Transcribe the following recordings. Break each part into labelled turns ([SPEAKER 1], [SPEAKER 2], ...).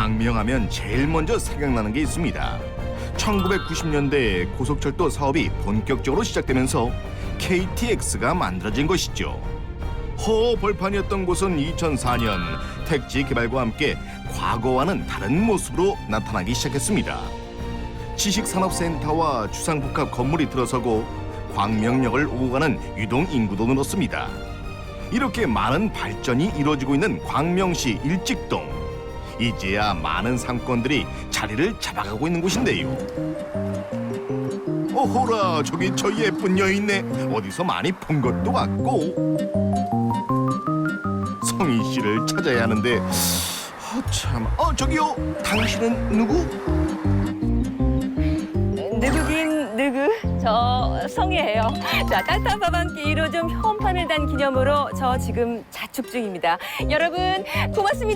[SPEAKER 1] 광명하면 제일 먼저 생각나는 게 있습니다. 1990년대에 고속철도 사업이 본격적으로 시작되면서 KTX가 만들어진 것이죠. 허벌판이었던 곳은 2004년 택지 개발과 함께 과거와는 다른 모습으로 나타나기 시작했습니다. 지식산업센터와 주상복합 건물이 들어서고 광명역을 오고 가는 유동 인구도 늘었습니다. 이렇게 많은 발전이 이루어지고 있는 광명시 일직동. 이제야 많은 상권들이 자리를 잡아가고 있는 곳인데요. 어호라, 저기 저 예쁜 여인네. 어디서 많이 본 것도 같고. 성희 씨를 찾아야 하는데 참. 저기요, 당신은 누구?
[SPEAKER 2] 누구긴 누구, 저 성희예요. 자, 따뜻한 밥 한 끼 1호점 현판을 단 기념으로 저 지금 자축 중입니다. 여러분 고맙습니다.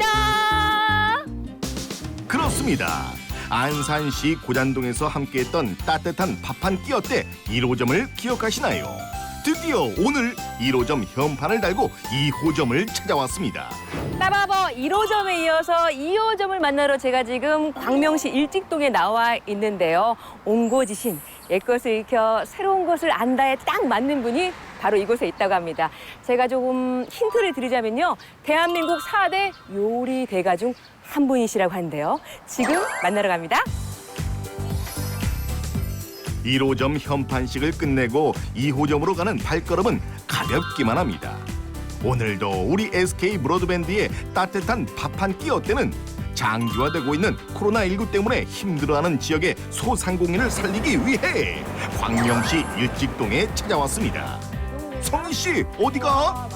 [SPEAKER 1] 그렇습니다. 안산시 고잔동에서 함께했던 따뜻한 밥 한 끼 어때 1호점을 기억하시나요? 드디어 오늘 1호점 현판을 달고 2호점을 찾아왔습니다.
[SPEAKER 2] 따바버 1호점에 이어서 2호점을 만나러 제가 지금 광명시 일직동에 나와 있는데요. 옹고지신, 옛것을 익혀 새로운 것을 안다에 딱 맞는 분이 바로 이곳에 있다고 합니다. 제가 조금 힌트를 드리자면요. 대한민국 4대 요리 대가 중 한 분이시라고 하는데요. 지금 만나러 갑니다.
[SPEAKER 1] 1호점 현판식을 끝내고 2호점으로 가는 발걸음은 가볍기만 합니다. 오늘도 우리 SK 브로드밴드의 따뜻한 밥 한 끼 어때는 장기화되고 있는 코로나19 때문에 힘들어하는 지역의 소상공인을 살리기 위해 광명시 일직동에 찾아왔습니다. 성희 씨, 어디가?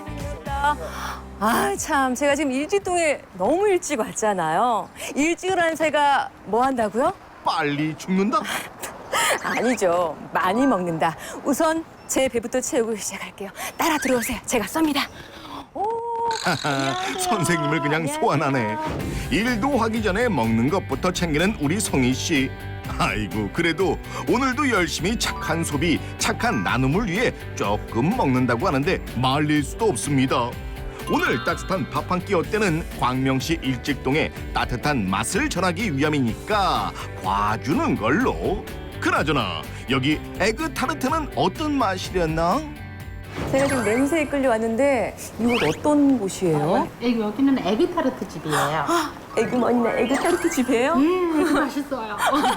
[SPEAKER 2] 아, 참, 제가 지금 일직동에 너무 일찍 왔잖아요. 일찍 일어난 새가 뭐 한다고요?
[SPEAKER 1] 빨리 죽는다?
[SPEAKER 2] 아니죠. 많이 먹는다. 우선 제 배부터 채우고 시작할게요. 따라 들어오세요. 제가 쏩니다. 오, 안녕하세요.
[SPEAKER 1] 선생님을 그냥
[SPEAKER 2] 안녕하세요.
[SPEAKER 1] 소환하네. 일도 하기 전에 먹는 것부터 챙기는 우리 성희 씨. 아이고, 그래도 오늘도 열심히 착한 소비, 착한 나눔을 위해 조금 먹는다고 하는데 말릴 수도 없습니다. 오늘 따뜻한 밥 한 끼 어때는 광명시 일직동의 따뜻한 맛을 전하기 위함이니까 봐주는 걸로. 그나저나 여기 에그타르트는 어떤 맛이랬나?
[SPEAKER 2] 제가 지금 냄새에 끌려왔는데 이곳 어떤 곳이에요?
[SPEAKER 3] 여기는 에그타르트 집이에요.
[SPEAKER 2] 에그머니나 에그타르트 집이에요?
[SPEAKER 3] 이거 맛있어요.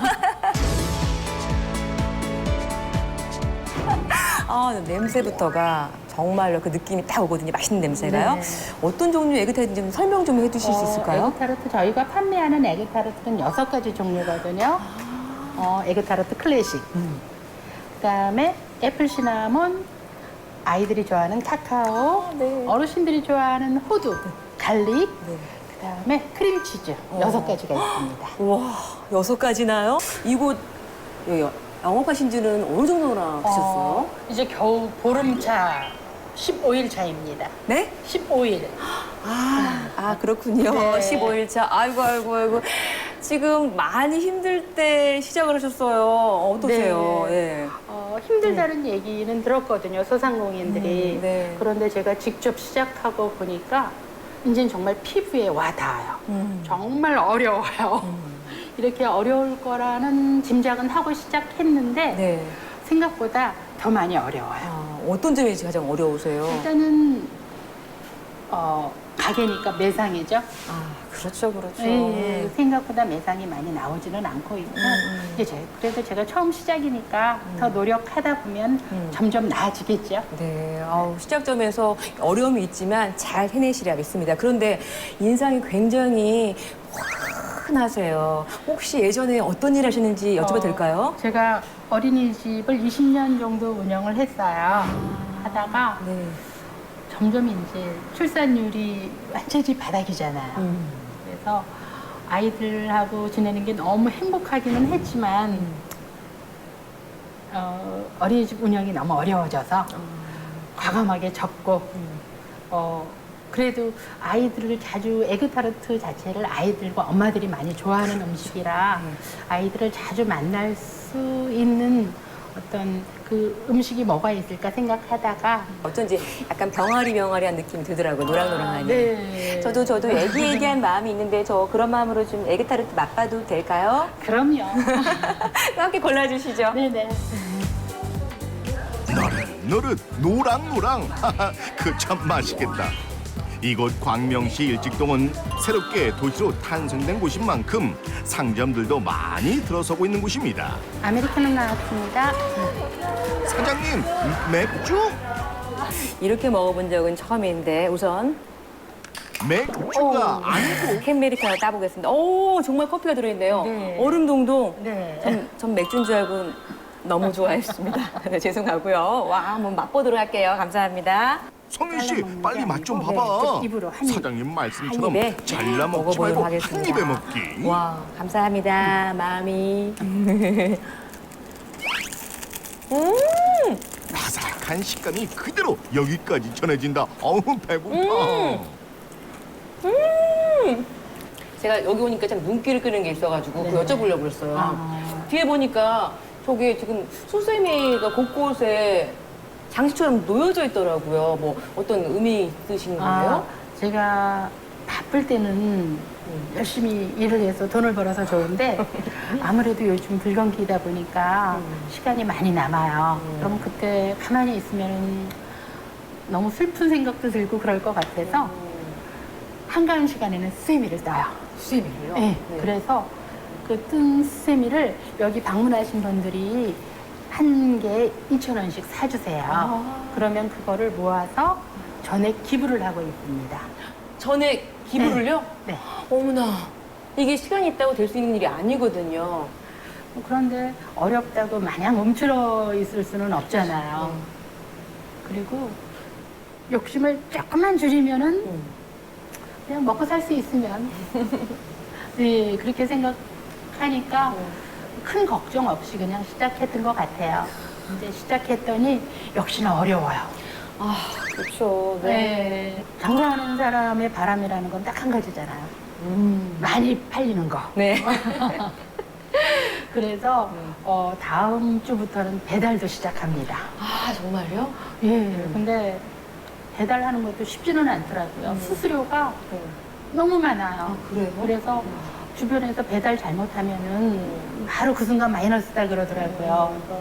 [SPEAKER 2] 아, 냄새부터가 정말로 그 느낌이 딱 오거든요. 맛있는 냄새가요.
[SPEAKER 3] 네.
[SPEAKER 2] 어떤 종류 에그타르트인지 좀 설명 좀 해주실 수 있을까요?
[SPEAKER 3] 에그타르트 저희가 판매하는 에그타르트는 6가지 종류거든요. 에그타르트 클래식, 그다음에 애플 시나몬, 아이들이 좋아하는 카카오,
[SPEAKER 2] 네.
[SPEAKER 3] 어르신들이 좋아하는 호두, 갈릭,
[SPEAKER 2] 네.
[SPEAKER 3] 그다음에 크림치즈 6가지가 있습니다.
[SPEAKER 2] 와, 6가지나요? 이곳 영업하신 지는 어느 정도나 되셨어요?
[SPEAKER 3] 이제 겨우 보름차 15일 차입니다.
[SPEAKER 2] 네?
[SPEAKER 3] 15일.
[SPEAKER 2] 그렇군요.
[SPEAKER 3] 네.
[SPEAKER 2] 15일 차. 아이고. 지금 많이 힘들 때 시작을 하셨어요. 어떠세요?
[SPEAKER 3] 네. 힘들다는 얘기는 들었거든요, 소상공인들이.
[SPEAKER 2] 네.
[SPEAKER 3] 그런데 제가 직접 시작하고 보니까 이제는 정말 피부에 와 닿아요. 정말 어려워요. 이렇게 어려울 거라는 짐작은 하고 시작했는데
[SPEAKER 2] 네.
[SPEAKER 3] 생각보다 더 많이 어려워요.
[SPEAKER 2] 어떤 점이 가장 어려우세요?
[SPEAKER 3] 일단은 가게니까 매상이죠.
[SPEAKER 2] 그렇죠.
[SPEAKER 3] 네, 생각보다 매상이 많이 나오지는 않고 있고 그래도 제가 처음 시작이니까 더 노력하다 보면 점점 나아지겠죠.
[SPEAKER 2] 네, 시작점에서 어려움이 있지만 잘 해내시리라 믿습니다. 그런데 인상이 굉장히 화끈하세요. 혹시 예전에 어떤 일 하셨는지 여쭤봐도 될까요?
[SPEAKER 3] 제가 어린이집을 20년 정도 운영을 했어요. 하다가
[SPEAKER 2] 네.
[SPEAKER 3] 점점 이제 출산율이 완전히 바닥이잖아요. 그래서 아이들하고 지내는 게 너무 행복하기는 했지만 어린이집 운영이 너무 어려워져서 과감하게 접고 그래도 아이들을 자주 에그타르트 자체를 아이들과 엄마들이 많이 좋아하는 음식이라 아이들을 자주 만날 수 있는 어떤 그 음식이 뭐가 있을까 생각하다가
[SPEAKER 2] 어쩐지 약간 병아리한 느낌이 들더라고요. 노랑노랑하니.
[SPEAKER 3] 네.
[SPEAKER 2] 저도 애기애기한 마음이 있는데 저 그런 마음으로 좀 에그타르트 맛봐도 될까요?
[SPEAKER 3] 그럼요.
[SPEAKER 2] 함께 골라주시죠.
[SPEAKER 3] 네네.
[SPEAKER 1] 노릇노릇 노랑노랑 그 참 맛있겠다. 이곳 광명시 일직동은 새롭게 도시로 탄생된 곳인 만큼 상점들도 많이 들어서고 있는 곳입니다.
[SPEAKER 3] 아메리카노 나왔습니다.
[SPEAKER 1] 사장님, 맥주?
[SPEAKER 2] 이렇게 먹어본 적은 처음인데 우선
[SPEAKER 1] 맥주가 아니고
[SPEAKER 2] 캔메리카노 따보겠습니다. 오, 정말 커피가 들어있네요.
[SPEAKER 3] 네.
[SPEAKER 2] 얼음 동동.
[SPEAKER 3] 네.
[SPEAKER 2] 전 맥주인 줄 알고 너무 좋아했습니다. 네, 죄송하고요. 와, 한번 맛보도록 할게요. 감사합니다.
[SPEAKER 1] 성윤 씨,
[SPEAKER 3] 잘라먹는
[SPEAKER 1] 빨리
[SPEAKER 3] 게
[SPEAKER 1] 맛 좀
[SPEAKER 3] 아니고,
[SPEAKER 1] 봐봐.
[SPEAKER 3] 네, 좀 입으로 한 입.
[SPEAKER 1] 사장님 말씀처럼
[SPEAKER 2] 한 입에
[SPEAKER 1] 잘라 먹지
[SPEAKER 2] 먹어보도록
[SPEAKER 1] 말고
[SPEAKER 2] 하겠습니다.
[SPEAKER 1] 한 입에 먹기.
[SPEAKER 2] 와, 감사합니다. 마음이.
[SPEAKER 1] 바삭한 식감이 그대로 여기까지 전해진다. 어우, 배고파.
[SPEAKER 2] 제가 여기 오니까 참 눈길을 끄는 게 있어가지고 그거 여쭤보려고 그랬어요.
[SPEAKER 3] 아.
[SPEAKER 2] 뒤에 보니까 저게 지금 수세미가 곳곳에 장식처럼 놓여져 있더라고요. 뭐 어떤 의미 있으신 건가요?
[SPEAKER 3] 제가 바쁠 때는 열심히 일을 해서 돈을 벌어서 좋은데 아무래도 요즘 불경기다 보니까 시간이 많이 남아요. 그럼 그때 가만히 있으면 너무 슬픈 생각도 들고 그럴 것 같아서 한가한 시간에는 수세미를 떠요.
[SPEAKER 2] 수세미를요?
[SPEAKER 3] 네. 그래서 그 뜬 수세미를 여기 방문하신 분들이 한 개에 2,000원씩 사주세요. 그러면 그거를 모아서 전액 기부를 하고 있습니다.
[SPEAKER 2] 전에 기부를요?
[SPEAKER 3] 네.
[SPEAKER 2] 어머나, 이게 시간이 있다고 될 수 있는 일이 아니거든요.
[SPEAKER 3] 그런데 어렵다고 마냥 움츠러 있을 수는 없잖아요. 그리고 욕심을 조금만 줄이면은 그냥 먹고 살 수 있으면 네 그렇게 생각하니까 큰 걱정 없이 그냥 시작했던 것 같아요. 근데 시작했더니 역시나 어려워요.
[SPEAKER 2] 아, 그렇죠.
[SPEAKER 3] 네. 장사하는 사람의 바람이라는 건 딱 한 가지잖아요. 많이 팔리는 거.
[SPEAKER 2] 네.
[SPEAKER 3] 그래서 다음 주부터는 배달도 시작합니다.
[SPEAKER 2] 아, 정말요?
[SPEAKER 3] 예. 근데 배달하는 것도 쉽지는 않더라고요. 수수료가 너무 많아요.
[SPEAKER 2] 그래요?
[SPEAKER 3] 그래서 주변에서 배달 잘못하면은 바로 그 순간 마이너스다 그러더라고요. 그래서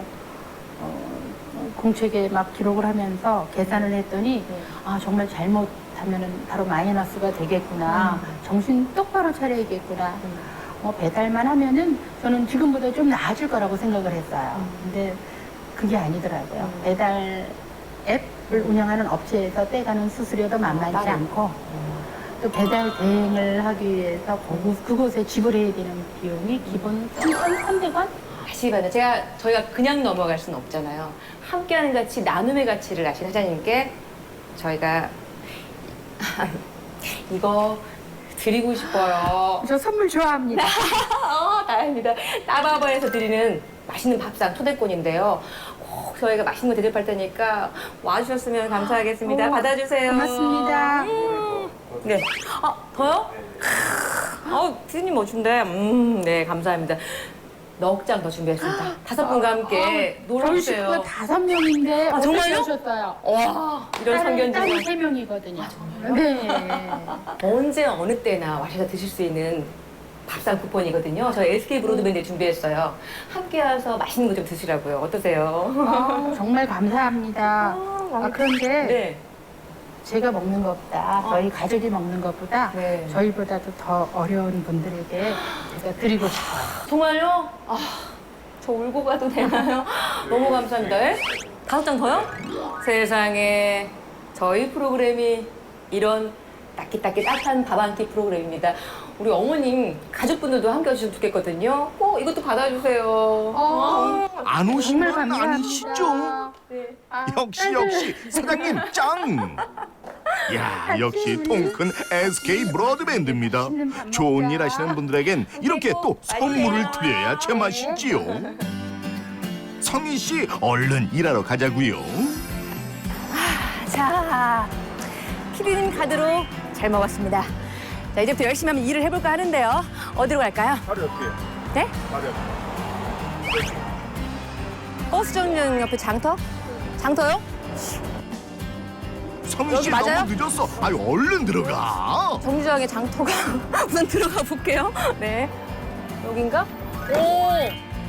[SPEAKER 3] 공책에 막 기록을 하면서 계산을 했더니 아 정말 잘못하면은 바로 마이너스가 되겠구나. 정신 똑바로 차려야겠구나. 배달만 하면은 저는 지금보다 좀 나아질 거라고 생각을 했어요. 근데 그게 아니더라고요. 배달 앱을 운영하는 업체에서 떼가는 수수료도 만만치 않고 또 배달 대행을 하기 위해서 그곳에 지불해야 되는 비용이 기본 3,300원?
[SPEAKER 2] 아시거든요. 저희가 그냥 넘어갈 수는 없잖아요. 함께하는 가치, 나눔의 가치를 아신 사장님께 저희가 이거 드리고 싶어요.
[SPEAKER 3] 저 선물 좋아합니다.
[SPEAKER 2] 다행입니다. 따바바에서 드리는 맛있는 밥상 초대권인데요. 꼭 저희가 맛있는 거 대접할 테니까 와주셨으면 감사하겠습니다. 받아주세요.
[SPEAKER 3] 고맙습니다.
[SPEAKER 2] 네. 더요? 피디님 멋진데. 네, 감사합니다. 넉 장 더 준비했습니다. 5분과 함께
[SPEAKER 3] 저희
[SPEAKER 2] 놀러주세요.
[SPEAKER 3] 식구가 5명인데
[SPEAKER 2] 아, 정말요?
[SPEAKER 3] 오셨어요.
[SPEAKER 2] 와, 이런
[SPEAKER 3] 딸이
[SPEAKER 2] 성견지가
[SPEAKER 3] 3명이거든요. 네.
[SPEAKER 2] 언제 어느 때나 와셔서 드실 수 있는 밥상 쿠폰이거든요. 저희 SK 브로드밴드 준비했어요. 함께 와서 맛있는 거 좀 드시라고요. 어떠세요?
[SPEAKER 3] 정말 감사합니다. 그런데
[SPEAKER 2] 네.
[SPEAKER 3] 제가 먹는 것보다 저희 가족이 먹는 것보다
[SPEAKER 2] 네.
[SPEAKER 3] 저희보다도 더 어려운 분들에게 제가 드리고 싶어요.
[SPEAKER 2] 정말요? 저 울고 가도 되나요? 너무 감사합니다. 5장 더요? 세상에 저희 프로그램이 이런 따뜻한 밥 한 끼 프로그램입니다. 우리 어머님 가족분들도 함께 해주시면 좋겠거든요. 이것도 받아주세요.
[SPEAKER 1] 안 오신
[SPEAKER 3] 정말
[SPEAKER 1] 건
[SPEAKER 3] 감사합니다.
[SPEAKER 1] 아니시죠?
[SPEAKER 2] 네.
[SPEAKER 1] 역시 사장님 짱! 야, 역시 통큰 SK 브로드밴드입니다. 좋은 일 하시는 분들에겐 이렇게 또 선물을 드려야 제맛이지요. 성희 씨, 얼른 일하러 가자고요.
[SPEAKER 2] 자, 피디님 카드로 잘 먹었습니다. 자, 이제부터 열심히 한번 일을 해볼까 하는데요. 어디로 갈까요?
[SPEAKER 1] 바로 옆에.
[SPEAKER 2] 네?
[SPEAKER 1] 바로 옆에.
[SPEAKER 2] 버스 정류장 옆에 장터? 장터요?
[SPEAKER 1] 성희
[SPEAKER 2] 여기
[SPEAKER 1] 씨
[SPEAKER 2] 맞아요?
[SPEAKER 1] 너무 늦었어. 아유 얼른 들어가.
[SPEAKER 2] 정류장에 장터가 우선 들어가 볼게요. 네. 여긴가? 오!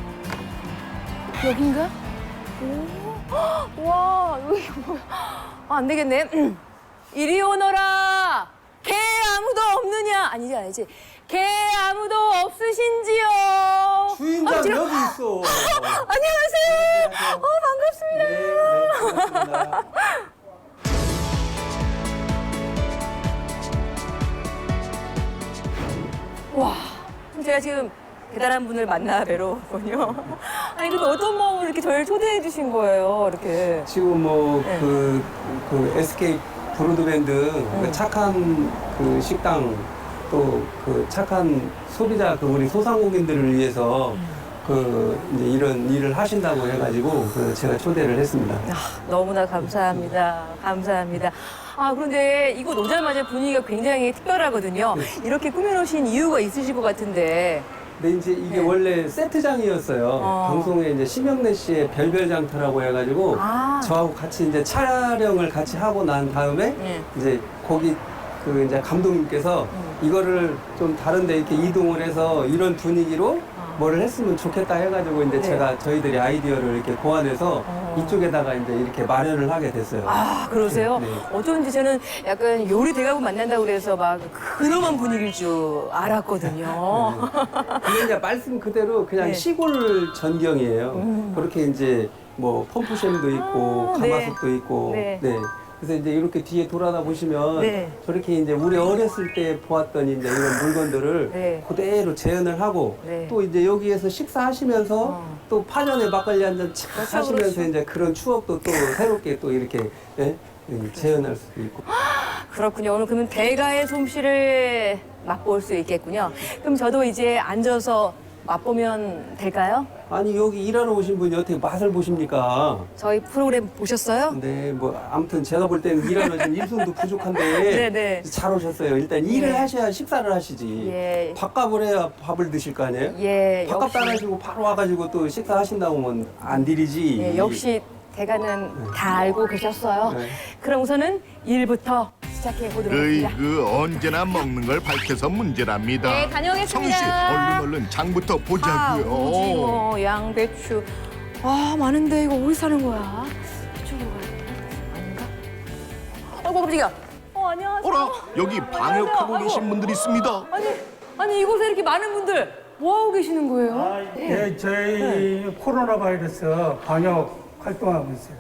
[SPEAKER 2] 여긴가? 오! 와, 여기 뭐야. 아, 안 되겠네. 이리 오너라! 개 아무도 없느냐? 아니지. 개 아무도 없으신지요?
[SPEAKER 4] 주인장
[SPEAKER 2] 지금-
[SPEAKER 4] 여기 있어.
[SPEAKER 2] 안녕하세요. 반갑습니다.
[SPEAKER 4] 반갑습니다.
[SPEAKER 2] 와, 제가 지금 대단한 분을 만나 뵈러 왔군요. 아니, 근데 어떤 마음으로 이렇게 저를 초대해 주신 거예요, 이렇게.
[SPEAKER 4] 지금 뭐
[SPEAKER 2] 네.
[SPEAKER 4] 그 SK 브로드밴드 그 착한 그 식당 또 그 착한 소비자 그 우리 소상공인들을 위해서 그 이제 이런 일을 하신다고 해가지고 그 제가 초대를 했습니다.
[SPEAKER 2] 아, 너무나 감사합니다. 감사합니다. 아, 그런데 이곳 오자마자 분위기가 굉장히 특별하거든요. 이렇게 꾸며놓으신 이유가 있으실 것 같은데.
[SPEAKER 4] 근데 이제 이게
[SPEAKER 2] 네.
[SPEAKER 4] 원래 세트장이었어요. 방송에 이제 심영래 씨의 별별장터라고 해가지고
[SPEAKER 2] 아.
[SPEAKER 4] 저하고 같이 이제 촬영을 같이 하고 난 다음에
[SPEAKER 2] 네.
[SPEAKER 4] 이제 거기 그 이제 감독님께서 이거를 좀 다른데 이렇게 이동을 해서 이런 분위기로 뭐를 했으면 좋겠다 해가지고 이제
[SPEAKER 2] 네.
[SPEAKER 4] 제가 저희들이 아이디어를 이렇게 고안해서 이쪽에다가 이제 이렇게 마련을 하게 됐어요.
[SPEAKER 2] 아, 그러세요?
[SPEAKER 4] 네.
[SPEAKER 2] 어쩐지 저는 약간 요리 대가고 만난다고 그래서 막 근엄한 분위기일 줄 알았거든요.
[SPEAKER 4] 근데 이제 말씀 그대로 그냥
[SPEAKER 2] 네.
[SPEAKER 4] 시골 전경이에요. 그렇게 이제 뭐 펌프샘도 있고
[SPEAKER 2] 아, 네.
[SPEAKER 4] 가마솥도 있고
[SPEAKER 2] 네.
[SPEAKER 4] 그래서 이제 이렇게 뒤에 돌아다 보시면
[SPEAKER 2] 네.
[SPEAKER 4] 저렇게 이제 우리 어렸을 때 보았던 이제 이런 물건들을
[SPEAKER 2] 네.
[SPEAKER 4] 그대로 재현을 하고
[SPEAKER 2] 네.
[SPEAKER 4] 또 이제 여기에서 식사하시면서 또 파전에 막걸리 한 잔 착
[SPEAKER 2] 그렇죠,
[SPEAKER 4] 하시면서
[SPEAKER 2] 그렇죠.
[SPEAKER 4] 이제 그런 추억도 또 새롭게 또 이렇게 예? 재현할 수도 있고.
[SPEAKER 2] 그렇군요. 오늘 그러면 대가의 솜씨를 맛볼 수 있겠군요. 그럼 저도 이제 앉아서 맛보면 될까요?
[SPEAKER 4] 아니 여기 일하러 오신 분이 어떻게 맛을 보십니까?
[SPEAKER 2] 저희 프로그램 보셨어요?
[SPEAKER 4] 네, 뭐 아무튼 제가 볼 때는 일하면 좀 일손도 부족한데
[SPEAKER 2] 네네.
[SPEAKER 4] 잘 오셨어요. 일단 일을
[SPEAKER 2] 네.
[SPEAKER 4] 하셔야 식사를 하시지.
[SPEAKER 2] 예.
[SPEAKER 4] 밥값을 해야 밥을 드실 거 아니에요?
[SPEAKER 2] 예,
[SPEAKER 4] 밥값 따라주고 바로 와가지고 또 식사하신다고 하면 안 드리지.
[SPEAKER 2] 예, 역시 대가는 다 알고 계셨어요.
[SPEAKER 4] 네.
[SPEAKER 2] 그럼 우선은 일부터 시작해 보도록 하겠습니다.
[SPEAKER 1] 언제나 먹는 걸 밝혀서 문제랍니다.
[SPEAKER 2] 네, 다녀오겠습니다.
[SPEAKER 1] 성희 씨 얼른 장부터
[SPEAKER 2] 파,
[SPEAKER 1] 보자고요.
[SPEAKER 2] 오징어, 양배추. 아, 많은데 이거 어디 사는 거야? 이쪽으로 가야 되나? 아닌가? 아이고, 깜짝이야. 안녕하세요.
[SPEAKER 1] 어라 여기 방역하고
[SPEAKER 2] 아이고.
[SPEAKER 1] 계신 분들이 있습니다.
[SPEAKER 2] 아니 이곳에 이렇게 많은 분들 뭐 하고 계시는 거예요?
[SPEAKER 5] 네, 저희 코로나 바이러스 방역 활동하고 있어요.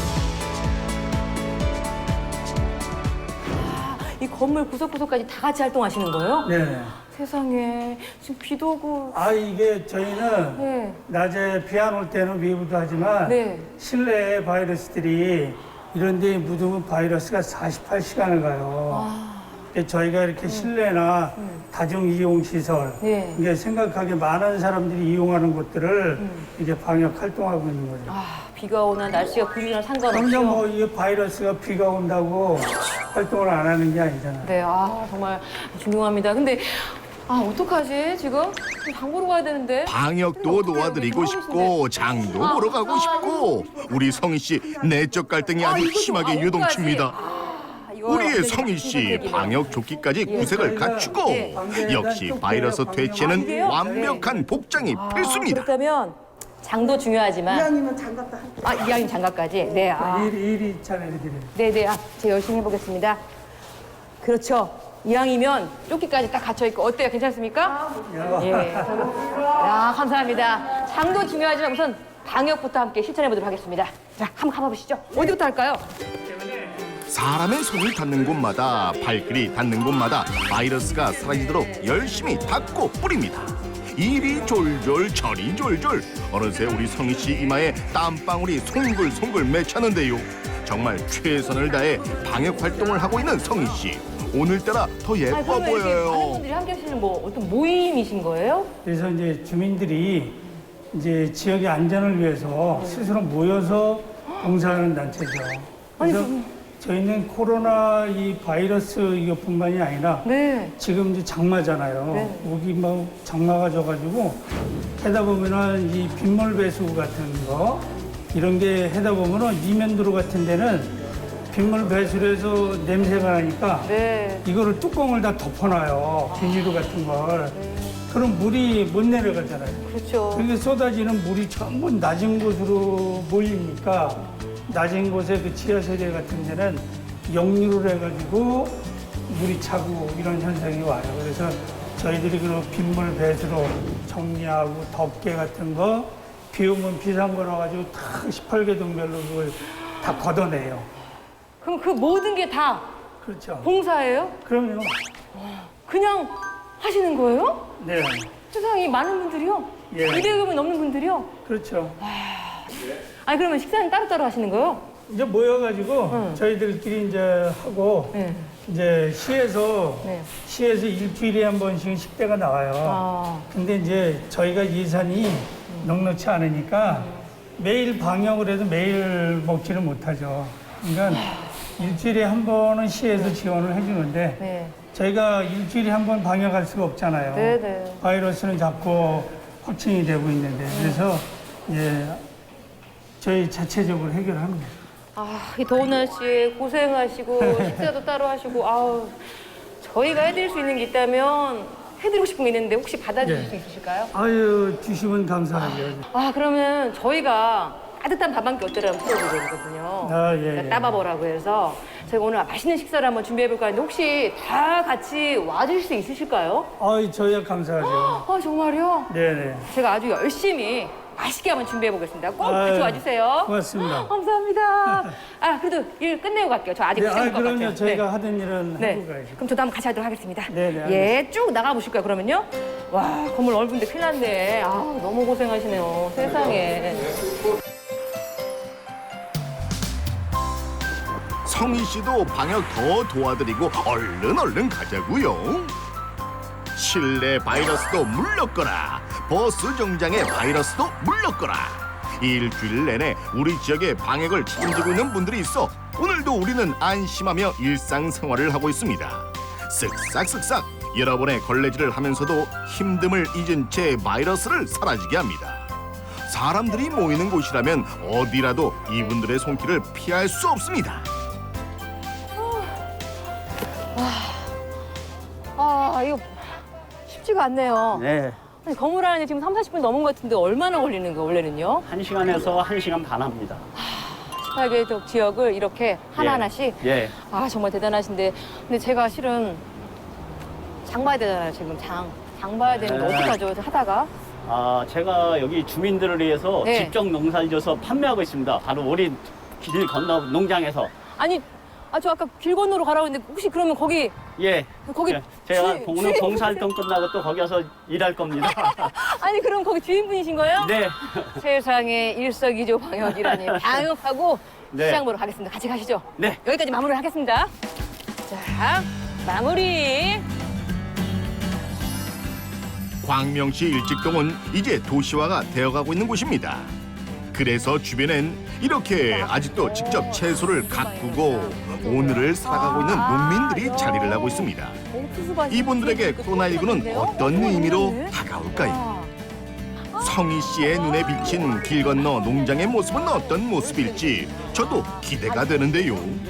[SPEAKER 2] 이 건물 구석구석까지 다 같이 활동하시는 거예요?
[SPEAKER 5] 네.
[SPEAKER 2] 세상에 지금 비도 오고.
[SPEAKER 5] 이게 저희는
[SPEAKER 2] 네.
[SPEAKER 5] 낮에 비 안 올 때는 외부도 하지만
[SPEAKER 2] 네.
[SPEAKER 5] 실내에 바이러스들이 이런 데 묻으면 바이러스가 48시간을 가요. 근데 저희가 이렇게 실내나 다중 이용 시설,
[SPEAKER 2] 네.
[SPEAKER 5] 이게 생각하기 많은 사람들이 이용하는 곳들을 이게 방역 활동하고 있는 거죠.
[SPEAKER 2] 비가 오나 날씨가 구리나 상관없죠.
[SPEAKER 5] 당장 뭐 이 바이러스가 비가 온다고 활동을 안 하는 게 아니잖아요.
[SPEAKER 2] 네, 정말 존경합니다. 근데 어떡하지 지금? 장 보러 가야 되는데.
[SPEAKER 1] 방역도 도와드리고 싶고 장도 보러 가고 싶고 우리 성희 씨 내적 갈등이 아주
[SPEAKER 2] 이거 좀
[SPEAKER 1] 심하게 유동칩니다.
[SPEAKER 2] 이거
[SPEAKER 1] 우리의
[SPEAKER 2] 완전히
[SPEAKER 1] 성희 씨
[SPEAKER 2] 선택이네요.
[SPEAKER 1] 방역 조끼까지 구색을 갖추고
[SPEAKER 2] 예.
[SPEAKER 1] 역시 바이러스 퇴치에는
[SPEAKER 2] 이게요?
[SPEAKER 1] 완벽한 복장이 필수입니다.
[SPEAKER 2] 그렇다면 장도 중요하지만
[SPEAKER 3] 이왕이면 장갑도 한
[SPEAKER 2] 이왕이면 장갑까지. 네,
[SPEAKER 5] 일이 잘해드려요.
[SPEAKER 2] 네네. 제가 열심히 해보겠습니다. 그렇죠. 이왕이면 조끼까지 딱 갖춰 있고 어때요? 괜찮습니까? 예. 감사합니다. 장도 중요하지만 우선 방역부터 함께 실천해 보도록 하겠습니다. 자, 한번 가봐보시죠. 어디부터 할까요?
[SPEAKER 1] 사람의 손이 닿는 곳마다 발길이 닿는 곳마다 바이러스가 사라지도록 열심히 닦고 뿌립니다. 이리 졸졸 저리 졸졸 어느새 우리 성희 씨 이마에 땀방울이 송글송글 맺혔는데요. 정말 최선을 다해 방역 활동을 하고 있는 성희 씨. 오늘따라 더 예뻐
[SPEAKER 2] 그러면 이렇게 많은
[SPEAKER 1] 보여요.
[SPEAKER 2] 분들이 함께 하시는 어떤 모임이신 거예요?
[SPEAKER 5] 그래서 이제 주민들이 이제 지역의 안전을 위해서 스스로 모여서 봉사하는 단체죠. 그래서 저희는 코로나 이 바이러스 이것뿐만이 아니라
[SPEAKER 2] 네.
[SPEAKER 5] 지금 이제 장마잖아요.
[SPEAKER 2] 네.
[SPEAKER 5] 여기 뭐 장마가 져가지고 하다 보면은 이 빗물 배수 같은 거 이런 게 하다 보면은 이면도로 같은 데는 빗물 배출해서 냄새가 나니까
[SPEAKER 2] 네.
[SPEAKER 5] 이거를 뚜껑을 다 덮어놔요. 비닐로 같은 걸. 그럼 물이 못 내려가잖아요.
[SPEAKER 2] 그렇죠.
[SPEAKER 5] 그렇게 쏟아지는 물이 전부 낮은 곳으로 몰리니까 낮은 곳에 그 지하세대 같은 데는 역류를 해가지고 물이 차고 이런 현상이 와요. 그래서 저희들이 그 빗물 배수로 정리하고 덮개 같은 거 비 오면 비상구라 가지고 다 18개 동별로 그걸 다 걷어내요.
[SPEAKER 2] 그럼 그 모든 게 다
[SPEAKER 5] 그렇죠.
[SPEAKER 2] 봉사예요?
[SPEAKER 5] 그럼요.
[SPEAKER 2] 그냥 하시는 거예요?
[SPEAKER 5] 네.
[SPEAKER 2] 세상에 많은 분들이요?
[SPEAKER 5] 예.
[SPEAKER 2] 200명 넘는 분들이요?
[SPEAKER 5] 그렇죠.
[SPEAKER 2] 아니 그러면 식사는 따로따로 하시는 거예요?
[SPEAKER 5] 이제 모여가지고 저희들끼리 이제 하고
[SPEAKER 2] 네.
[SPEAKER 5] 이제 시에서
[SPEAKER 2] 네.
[SPEAKER 5] 일주일에 한 번씩 식대가 나와요.
[SPEAKER 2] 아.
[SPEAKER 5] 근데 이제 저희가 예산이 넉넉치 않으니까 매일 방역을 해도 매일 먹지를 못하죠. 그러니까 일주일에 한 번은 시에서 지원을 해주는데
[SPEAKER 2] 네.
[SPEAKER 5] 저희가 일주일에 한 번 방역할 수가 없잖아요.
[SPEAKER 2] 네네.
[SPEAKER 5] 바이러스는 자꾸 확진이 되고 있는데 그래서 이제 저희 자체적으로 해결합니다.
[SPEAKER 2] 아, 이 더운 날씨에 고생하시고 식사도 따로 하시고 아우 저희가 해드릴 수 있는 게 있다면 해드리고 싶은 게 있는데 혹시 받아주실
[SPEAKER 5] 네.
[SPEAKER 2] 수 있으실까요?
[SPEAKER 5] 아유 주시면 감사하죠.
[SPEAKER 2] 아 그러면 저희가 따뜻한 밥 한 끼 어쩌라고 풀어드리거든요.
[SPEAKER 5] 아, 예, 예.
[SPEAKER 2] 따바버라고 해서 저희가 오늘 맛있는 식사를 한번 준비해볼까 하는데 혹시 다 같이 와주실 수 있으실까요?
[SPEAKER 5] 아유 저희야 감사하죠.
[SPEAKER 2] 아 정말요?
[SPEAKER 5] 네네.
[SPEAKER 2] 제가 아주 열심히 맛있게 한번 준비해보겠습니다. 꼭 같이
[SPEAKER 5] 아유,
[SPEAKER 2] 와주세요.
[SPEAKER 5] 고맙습니다.
[SPEAKER 2] 감사합니다. 아 그래도 일 끝내고 갈게요. 저 아직
[SPEAKER 5] 네,
[SPEAKER 2] 고생할 것
[SPEAKER 5] 그럼요.
[SPEAKER 2] 같아요.
[SPEAKER 5] 저희가 하던 일은
[SPEAKER 2] 네.
[SPEAKER 5] 하고 가야죠.
[SPEAKER 2] 그럼 저도 한번 같이 하도록 하겠습니다.
[SPEAKER 5] 네네,
[SPEAKER 2] 예, 쭉 나가보실까요, 그러면요? 와, 건물 넓은데 큰일 났네. 아, 너무 고생하시네요. 세상에.
[SPEAKER 1] 성희 씨도 방역 더 도와드리고 얼른 가자고요. 실내 바이러스도 물렀거라. 버스 정장의 바이러스도 물렀거라. 일주일 내내 우리 지역의 방역을 책임지고 있는 분들이 있어 오늘도 우리는 안심하며 일상생활을 하고 있습니다. 쓱싹쓱싹 여러분의 걸레질을 하면서도 힘듦을 잊은 채 바이러스를 사라지게 합니다. 사람들이 모이는 곳이라면 어디라도 이분들의 손길을 피할 수 없습니다.
[SPEAKER 2] 아, 이거 쉽지가 않네요.
[SPEAKER 6] 네,
[SPEAKER 2] 아니, 건물 안에 지금 30-40분 넘은 것 같은데 얼마나 걸리는 거예요, 원래는요?
[SPEAKER 6] 1시간에서 1시간 반 합니다.
[SPEAKER 2] 18개 지역을 이렇게 하나하나씩?
[SPEAKER 6] 예.
[SPEAKER 2] 아, 정말 대단하신데. 근데 제가 실은 장 봐야 되잖아요, 지금 장 봐야 되는데
[SPEAKER 6] 네.
[SPEAKER 2] 어떡하죠, 하다가?
[SPEAKER 6] 아, 제가 여기 주민들을 위해서
[SPEAKER 2] 네.
[SPEAKER 6] 직접 농사를 져서 판매하고 있습니다. 바로 우리 길 건너 농장에서.
[SPEAKER 2] 아니, 저 아까 길 건너로 가라고 했는데 혹시 그러면 거기
[SPEAKER 6] 예.
[SPEAKER 2] 거기
[SPEAKER 6] 예, 제가
[SPEAKER 2] 주인-
[SPEAKER 6] 오늘
[SPEAKER 2] 주인분이세요?
[SPEAKER 6] 봉사활동 끝나고 또 거기 가서 일할 겁니다.
[SPEAKER 2] 아니 그럼 거기 주인분이신 거예요?
[SPEAKER 6] 네.
[SPEAKER 2] 세상에 일석이조 방역이라니 방역하고
[SPEAKER 6] 네.
[SPEAKER 2] 시장 보러 가겠습니다. 같이 가시죠.
[SPEAKER 6] 네.
[SPEAKER 2] 여기까지 마무리를 하겠습니다. 자, 마무리.
[SPEAKER 1] 광명시 일직동은 이제 도시화가 되어가고 있는 곳입니다. 그래서 주변엔 이렇게 아직도 직접 채소를 가꾸고 오늘을 살아가고 있는 농민들이 자리를 하고 있습니다. 이분들에게 코로나19는 어떤 의미로 다가올까요? 성희 씨의 눈에 비친 길 건너 농장의 모습은 어떤 모습일지 저도 기대가 되는데요.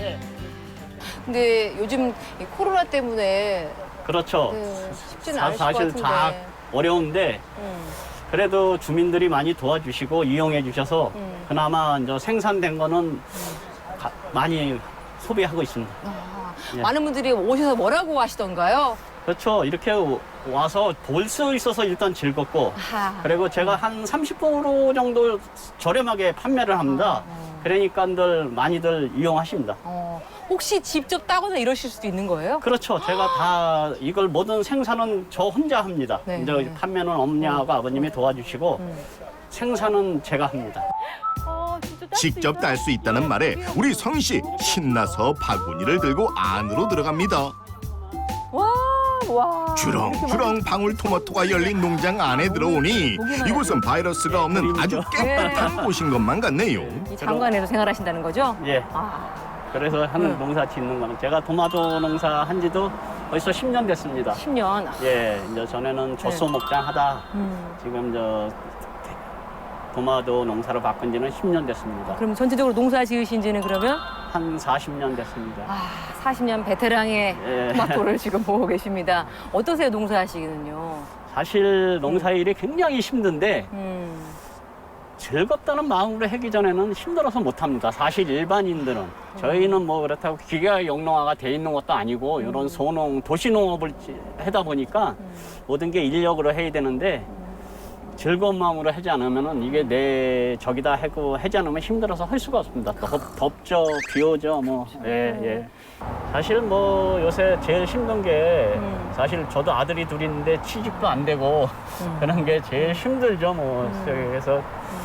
[SPEAKER 2] 근데 요즘 이 코로나 때문에
[SPEAKER 6] 그렇죠.
[SPEAKER 2] 쉽지는 않으실 것
[SPEAKER 6] 사실
[SPEAKER 2] 같은데.
[SPEAKER 6] 다 어려운데 그래도 주민들이 많이 도와주시고 이용해 주셔서 그나마 이제 생산된 거는 많이 소비하고 있습니다. 예.
[SPEAKER 2] 많은 분들이 오셔서 뭐라고 하시던가요?
[SPEAKER 6] 그렇죠. 이렇게 와서 볼 수 있어서 일단 즐겁고
[SPEAKER 2] 아하.
[SPEAKER 6] 그리고 제가 한 30% 정도 저렴하게 판매를 합니다. 그러니까들 많이들 이용하십니다.
[SPEAKER 2] 혹시 직접 따거나 이러실 수도 있는 거예요?
[SPEAKER 6] 그렇죠. 제가 다 이걸 모든 생산은 저 혼자 합니다.
[SPEAKER 2] 네.
[SPEAKER 6] 이제 판매는 어머니하고 아버님이 도와주시고 생산은 제가 합니다.
[SPEAKER 2] 진짜 딸수
[SPEAKER 1] 직접
[SPEAKER 2] 있어요?
[SPEAKER 1] 딸 수 있다는 말에 우리 성희 씨 신나서 바구니를 들고 안으로 들어갑니다.
[SPEAKER 2] 와.
[SPEAKER 1] 주렁주렁 방울토마토가 열린 농장 안에 들어오니 이곳은 바이러스가 없는 아주 깨끗한 곳인 것만 같네요.
[SPEAKER 2] 이 장관에서 생활하신다는 거죠?
[SPEAKER 6] 예. 그래서 하는 농사 짓는 거는 제가 토마토 농사 한 지도 벌써 10년 됐습니다.
[SPEAKER 2] 10년.
[SPEAKER 6] 예, 이제 전에는 젖소 목장 하다 지금 도마도 농사를 바꾼 지는 10년 됐습니다.
[SPEAKER 2] 그럼 전체적으로 농사 지으신 지는 그러면?
[SPEAKER 6] 한 40년 됐습니다.
[SPEAKER 2] 아, 40년 베테랑의
[SPEAKER 6] 예.
[SPEAKER 2] 토마토를 지금 보고 계십니다. 어떠세요, 농사하시기는요?
[SPEAKER 6] 사실 농사일이 굉장히 힘든데 즐겁다는 마음으로 하기 전에는 힘들어서 못합니다. 사실 일반인들은. 저희는 뭐 그렇다고 기계가 영농화가 돼 있는 것도 아니고 이런 소농, 도시농업을 하다 보니까 모든 게 인력으로 해야 되는데 즐거운 마음으로 하지 않으면은 이게 내 적이다 하고 하지 않으면 힘들어서 할 수가 없습니다. 덥죠, 비 오죠, 뭐. 예, 예. 사실 뭐 요새 제일 힘든 게 사실 저도 아들이 둘인데 취직도 안 되고 그런 게 제일 힘들죠, 뭐. 그래서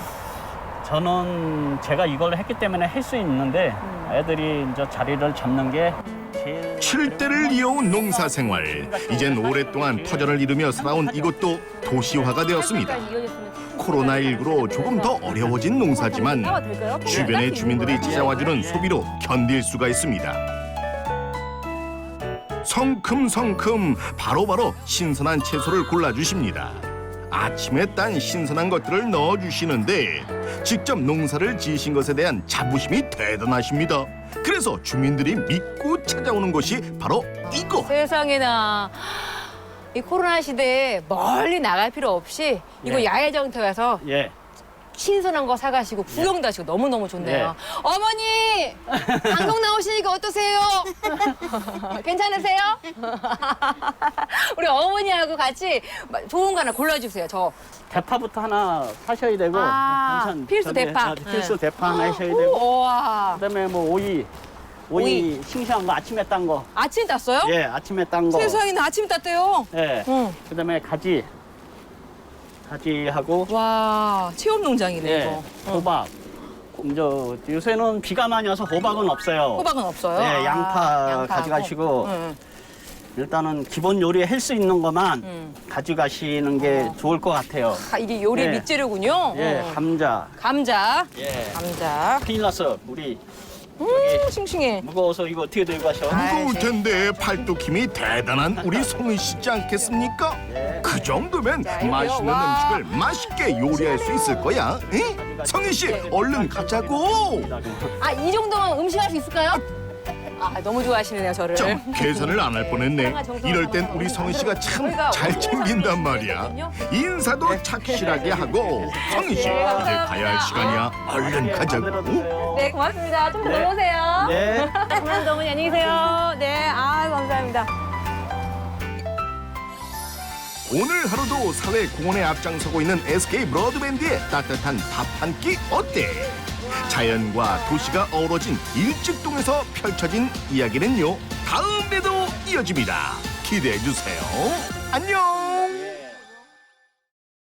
[SPEAKER 6] 저는 제가 이걸 했기 때문에 할 수 있는데 애들이 이제 자리를 잡는 게 제일
[SPEAKER 1] 7대를 이어온 농사 생활. 이젠 오랫동안 터전을 이루며 살아온 이곳도 도시화가 되었습니다. 코로나19로 조금 더 어려워진 농사지만 주변의 주민들이 찾아와주는 소비로 견딜 수가 있습니다. 성큼성큼 바로바로 신선한 채소를 골라주십니다. 아침에 딴 신선한 것들을 넣어주시는데 직접 농사를 지으신 것에 대한 자부심이 대단하십니다. 그래서 주민들이 믿고 찾아오는 곳이 바로 이곳.
[SPEAKER 2] 세상에나. 이 코로나 시대에 멀리 나갈 필요 없이 이거
[SPEAKER 6] 예.
[SPEAKER 2] 야외정터에서
[SPEAKER 6] 예.
[SPEAKER 2] 신선한 거 사가시고 구경도 하시고 너무너무 좋네요. 어머니! 방송 나오시니까 어떠세요? 괜찮으세요? 우리 어머니하고 같이 좋은 거 하나 골라주세요. 저
[SPEAKER 6] 대파부터 하나 하셔야 되고 반찬
[SPEAKER 2] 필수
[SPEAKER 6] 저기,
[SPEAKER 2] 대파.
[SPEAKER 6] 필수
[SPEAKER 2] 네.
[SPEAKER 6] 대파 하나 하셔야 되고
[SPEAKER 2] 우와.
[SPEAKER 6] 그다음에 뭐 오이 싱싱한 거 아침에 딴 거.
[SPEAKER 2] 아침 땄어요?
[SPEAKER 6] 예, 아침에 딴 거.
[SPEAKER 2] 세상에 나 아침 땄대요.
[SPEAKER 6] 예.
[SPEAKER 2] 응.
[SPEAKER 6] 그다음에 가지하고
[SPEAKER 2] 와, 체험 농장이네
[SPEAKER 6] 예,
[SPEAKER 2] 이거.
[SPEAKER 6] 호박. 요새는 비가 많이 와서 호박은 없어요.
[SPEAKER 2] 호박은 없어요?
[SPEAKER 6] 네,
[SPEAKER 2] 아,
[SPEAKER 6] 양파
[SPEAKER 2] 양파하고.
[SPEAKER 6] 가져가시고
[SPEAKER 2] 응.
[SPEAKER 6] 일단은 기본 요리 할 수 있는 것만 가져가시는 게 좋을 것 같아요.
[SPEAKER 2] 이게 요리
[SPEAKER 6] 네.
[SPEAKER 2] 밑재료군요.
[SPEAKER 6] 예, 감자.
[SPEAKER 2] 감자.
[SPEAKER 6] 예.
[SPEAKER 2] 감자.
[SPEAKER 6] 큰일 났어. 우리
[SPEAKER 2] 싱싱해.
[SPEAKER 6] 무거워서 이거 어떻게 들고 가셔?
[SPEAKER 1] 무거울 텐데 팔뚝 힘이 대단한 우리 성은 씨지 않겠습니까? 그 정도면
[SPEAKER 2] 자, 이거요.
[SPEAKER 1] 맛있는
[SPEAKER 2] 와.
[SPEAKER 1] 음식을 맛있게 요리할 수 있을 거야. 응? 성희 씨, 얼른 가자고.
[SPEAKER 2] 아, 이 정도면 음식할 수 있을까요? 아, 너무 좋아하시네요, 저를.
[SPEAKER 1] 참 계산을 안 할 뻔했네. 이럴 땐 우리 성희 씨가 참 잘 챙긴단 말이야. 인사도 착실하게 하고. 성희 씨, 이제 가야 할 시간이야. 얼른 가자고.
[SPEAKER 2] 네, 고맙습니다. 좀 더 넘어오세요.
[SPEAKER 6] 네.
[SPEAKER 2] 감사합니다, 어머니. 안녕히 계세요. 네, 감사합니다.
[SPEAKER 1] 오늘 하루도 사회 공헌에 앞장서고 있는 SK 브로드밴드의 따뜻한 밥 한 끼 어때? 자연과 도시가 어우러진 일직동에서 펼쳐진 이야기는요, 다음에도 이어집니다. 기대해 주세요. 안녕.